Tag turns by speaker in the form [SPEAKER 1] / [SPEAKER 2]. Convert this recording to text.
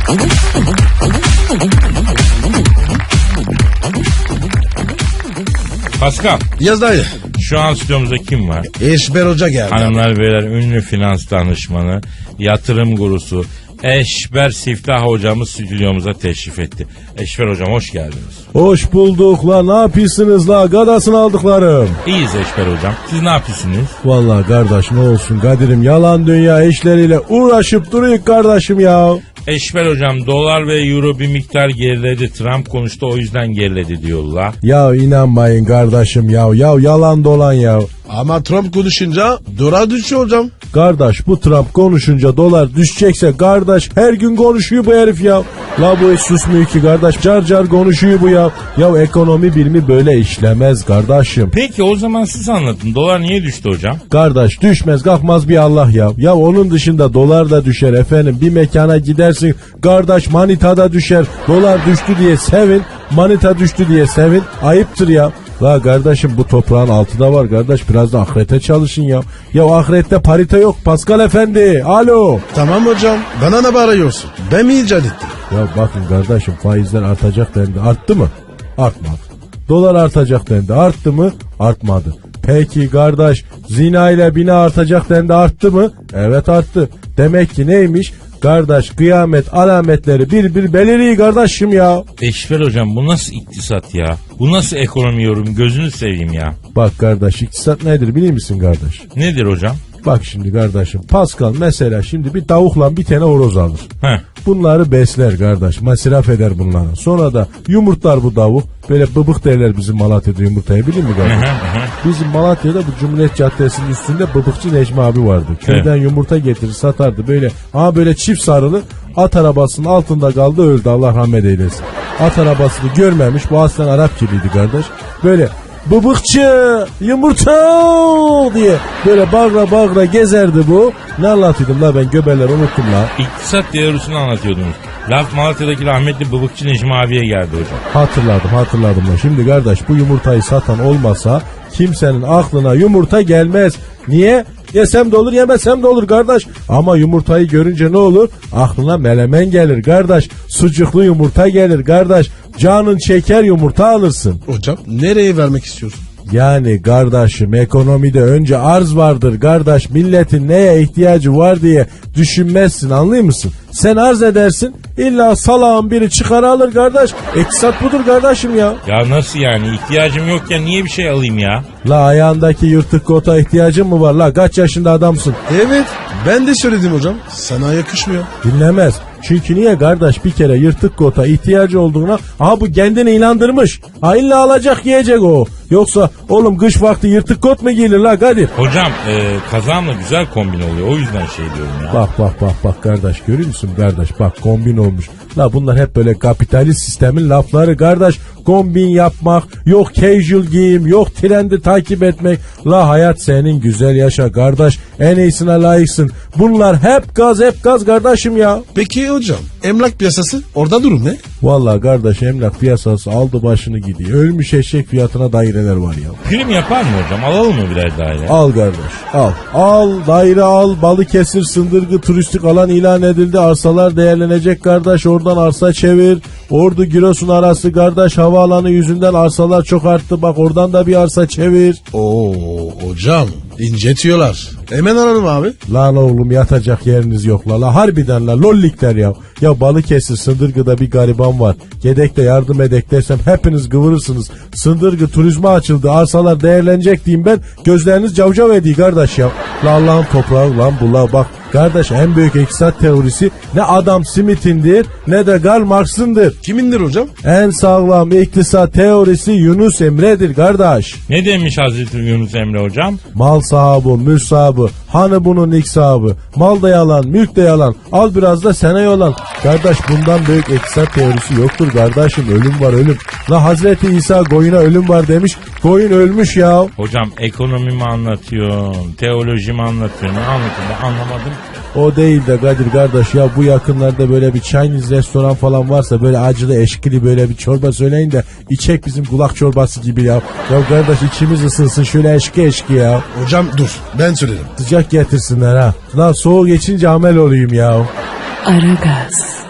[SPEAKER 1] Pascal.
[SPEAKER 2] Yaz dayı.
[SPEAKER 1] Şu an stüdyomuzda kim var?
[SPEAKER 2] Eşber Hoca geldi.
[SPEAKER 1] Hanımlar beyler, ünlü finans danışmanı, yatırım gurusu Eşber Siftah hocamız stüdyomuza teşrif etti. Eşber hocam hoş geldiniz.
[SPEAKER 3] Hoş bulduk la, ne yapıyorsunuz la, gadasını aldıklarım.
[SPEAKER 1] İyiyiz Eşber hocam. Siz ne yapıyorsunuz?
[SPEAKER 3] Vallahi kardeş ne olsun Kadir'im, yalan dünya işleriyle uğraşıp duruyor kardeşim ya.
[SPEAKER 1] Eşber hocam, dolar ve euro bir miktar geriledi. Trump konuştu, o yüzden geriledi diyorlar.
[SPEAKER 3] Ya inanmayın kardeşim ya yalan dolan ya.
[SPEAKER 2] Ama Trump konuşunca dolar düşüyor hocam.
[SPEAKER 3] Kardeş bu Trump konuşunca dolar düşecekse kardeş, her gün konuşuyor bu herif ya. La bu hiç susmuyor ki kardeş, car car konuşuyor bu ya. Ya ekonomi bilimi böyle işlemez kardeşim.
[SPEAKER 1] Peki o zaman siz anlatın, dolar niye düştü hocam?
[SPEAKER 3] Kardeş düşmez kalkmaz bir Allah ya. Ya onun dışında dolar da düşer efendim. Bir mekana gidersin kardeş, manita da düşer. Dolar düştü diye sevin, manita düştü diye sevin. Ayıptır ya. La kardeşim bu toprağın altında var kardeş, biraz da ahirete çalışın ya. Ya ahirette parite yok Pascal efendi. Alo.
[SPEAKER 2] Tamam hocam. Bana ne bağırıyorsun? Ben mi icat ettim?
[SPEAKER 3] Ya bakın kardeşim, faizler artacak dendi. Arttı mı? Artmadı. Dolar artacak dendi. Arttı mı? Artmadı. Peki kardeş, zina ile bina artacak dendi. Arttı mı? Evet arttı. Demek ki neymiş? Kardeş kıyamet alametleri bir beliriyor kardeşim ya.
[SPEAKER 1] Eşber hocam, bu nasıl iktisat ya? Bu nasıl ekonomi yorum, gözünü seveyim ya.
[SPEAKER 3] Bak kardeş, iktisat nedir biliyor musun kardeş?
[SPEAKER 1] Nedir hocam?
[SPEAKER 3] Bak şimdi kardeşim, Pascal mesela şimdi bir tavukla bir tane horoz alır.
[SPEAKER 1] Heh.
[SPEAKER 3] Bunları besler kardeş, masraf eder bunlara. Sonra da yumurtlar bu tavuk. Böyle bıbık derler bizim Malatya'da yumurtaya, biliyor musun kardeş? Bizim Malatya'da bu Cumhuriyet Caddesi'nin üstünde bıbıkçı Necmi abi vardı. Köyden yumurta getirir satardı böyle. Ama böyle çift sarılı, at arabasının altında kaldı, öldü, Allah rahmet eylesin. At arabasını görmemiş, bu aslen Arap gibiydi kardeş. Böyle bıbıkçı yumurta diye böyle bağıra gezerdi bu. Ne anlatıyordum la ben, göbeler unuttum la.
[SPEAKER 1] İktisat teorisini anlatıyordunuz. Laf Malatya'daki rahmetli bıbıkçı Necmi abiye geldi hocam.
[SPEAKER 3] Hatırladım la. Şimdi kardeş bu yumurtayı satan olmasa kimsenin aklına yumurta gelmez. Niye? Yesem de olur, yemesem de olur kardeş. Ama yumurtayı görünce ne olur? Aklına melemen gelir kardeş. Sucuklu yumurta gelir kardeş. Canın çeker, yumurta alırsın.
[SPEAKER 2] Hocam nereye vermek istiyorsun?
[SPEAKER 3] Yani kardeşim, ekonomide önce arz vardır kardeş. Milletin neye ihtiyacı var diye düşünmezsin, anlıyor musun? Sen arz edersin, illa salağın biri çıkar alır kardeş. İktisat budur kardeşim ya.
[SPEAKER 1] Ya nasıl yani, ihtiyacım yokken niye bir şey alayım ya?
[SPEAKER 3] La ayağındaki yırtık kota ihtiyacın mı var la? Kaç yaşında adamsın?
[SPEAKER 2] Evet, ben de söyledim hocam. Sana yakışmıyor.
[SPEAKER 3] Dinlemez. Çünkü niye kardeş, bir kere yırtık kota ihtiyacı olduğuna, aha bu kendini inandırmış. Ha illa alacak, yiyecek o. Yoksa oğlum kış vakti yırtık kot mu giyilir la Kadir?
[SPEAKER 1] Hocam kazağımla güzel kombin oluyor, o yüzden şey diyorum ya.
[SPEAKER 3] Bak kardeş, görüyor musun kardeş, bak kombin olmuş. La bunlar hep böyle kapitalist sistemin lafları kardeş. Kombin yapmak, yok casual giyim, yok trendi takip etmek. La hayat senin, güzel yaşa kardeş. En iyisine layıksın. Bunlar hep gaz kardeşim ya.
[SPEAKER 2] Peki hocam, emlak piyasası orada durum ne?
[SPEAKER 3] Vallahi kardeş, emlak piyasası aldı başını gidiyor. Ölmüş eşek fiyatına daireler var ya.
[SPEAKER 1] Prim yapar mı hocam? Alalım mı birer daire?
[SPEAKER 3] Al kardeş, al. Al daire al. Balıkesir Sındırgı turistik alan ilan edildi. Arsalar değerlenecek kardeş. Oradan arsa çevir. Ordu Giresun arası kardeş, havaalanı yüzünden arsalar çok arttı. Bak oradan da bir arsa çevir.
[SPEAKER 2] Oo hocam, incetiyorlar. Hemen ararım abi.
[SPEAKER 3] Lan oğlum, yatacak yeriniz yok la. Harbiden la, lollikler ya. Ya Balıkesir Sındırgı'da bir gariban var. Gedek'te yardım edek dersem hepiniz kıvırırsınız. Sındırgı turizme açıldı, arsalar değerlenecek diyeyim ben. Gözleriniz cavcav ediyor kardeş ya. La Allah'ın toprağı lan bu la. Bak kardeş, en büyük iktisat teorisi ne Adam Smith'indir ne de Karl Marx'ındır.
[SPEAKER 2] Kimindir hocam?
[SPEAKER 3] En sağlam iktisat teorisi Yunus Emre'dir kardeş.
[SPEAKER 1] Ne demiş Hazreti Yunus Emre hocam?
[SPEAKER 3] Mal sahibi, mülk sahibi, hanı bunun ilk sahibi. Mal da yalan, mülk de yalan. Al biraz da sana yolan. Kardeş bundan büyük iktisat teorisi yoktur kardeşim. Ölüm var, ölüm. La Hazreti İsa koyuna ölüm var demiş. Koyun ölmüş ya.
[SPEAKER 1] Hocam ekonomi mi anlatıyorsun? Teoloji mi anlatıyorsun? Ne anlatıyorsun? Ben anlamadım.
[SPEAKER 3] O değil de Kadir kardeş ya, bu yakınlarda böyle bir Chinese restoran falan varsa böyle acılı eşkili böyle bir çorba söyleyin de içek, bizim kulak çorbası gibi ya. Ya kardeş içimiz ısınsın şöyle eşki ya.
[SPEAKER 2] Hocam dur, ben söylerim.
[SPEAKER 3] Sıcak getirsinler ha. Lan soğuk geçince amel olayım ya.
[SPEAKER 4] Aragaz.